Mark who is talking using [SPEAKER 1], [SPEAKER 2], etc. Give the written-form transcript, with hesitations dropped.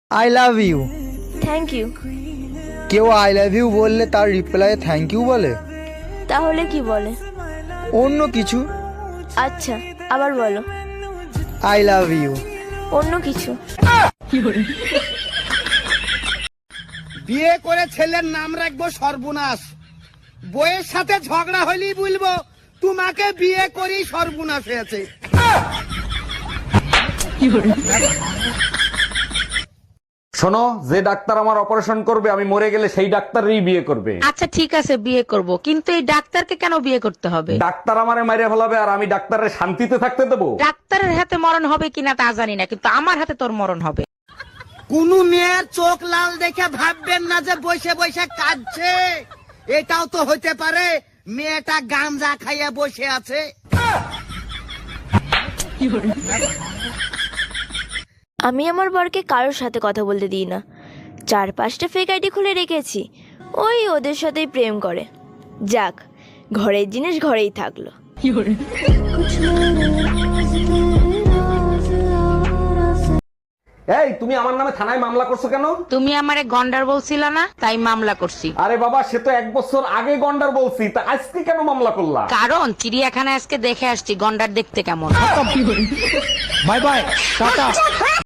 [SPEAKER 1] I love you.
[SPEAKER 2] Thank you.
[SPEAKER 1] কেউ I love you বললে তার রিপ্লাই থ্যাংক ইউ বলে?
[SPEAKER 2] তাহলে কি বলে?
[SPEAKER 1] অন্য কিছু।
[SPEAKER 2] আচ্ছা, আবার বলো।
[SPEAKER 1] I love you.
[SPEAKER 2] অন্য কিছু।
[SPEAKER 3] বিয়ে করে ছেলের নাম রাখবো সর্বনাশ, বইয়ের সাথে ঝগড়া হইলেই বলবো তোমাকে বিয়ে করি সর্বনাশ হয়েছে।
[SPEAKER 4] শোনো, যে ডাক্তার আমার অপারেশন করবে আমি মরে গেলে সেই ডাক্তারই বিয়ে করবে।
[SPEAKER 5] আচ্ছা ঠিক আছে, বিয়ে করব, কিন্তু এই ডাক্তারকে কেন বিয়ে করতে হবে?
[SPEAKER 4] ডাক্তার আমারে মাইরে ফেলাবে আর আমি ডাক্তারের শান্তিতে থাকতে দেবো?
[SPEAKER 5] ডাক্তারের হাতে মরণ হবে কিনা তা জানি না, কিন্তু আমার হাতে তোর মরণ হবে।
[SPEAKER 3] কোন মেয়ের চোখ লাল দেখে ভাববেন না যে বসে বসে কাঁদছে, এটাও তো হতে পারে মেয়েটা গাঞ্জা খাইয়া বসে আছে।
[SPEAKER 2] আমি আমার বরকে কারোর সাথে কথা বলতে দিই না। 4-5টা ফেক আইডি খুলে রেখেছি, ওই ওদের সাথেই প্রেম করে। যাক, ঘরের জিনিস ঘরেই থাকলো।
[SPEAKER 4] এই, তুমি আমার নামে থানায় মামলা করছো কেন?
[SPEAKER 5] তুমি আমারে গন্ডার বলছিল না, তাই মামলা করছি।
[SPEAKER 4] আরে বাবা, সে তো 1 বছর আগে গন্ডার বলছি, তা আজকে কেন মামলা করলা?
[SPEAKER 5] কারণ চিড়িয়াখানায় আজকে দেখে আসছি গন্ডার দেখতে কেমন।
[SPEAKER 1] Bye bye, tata.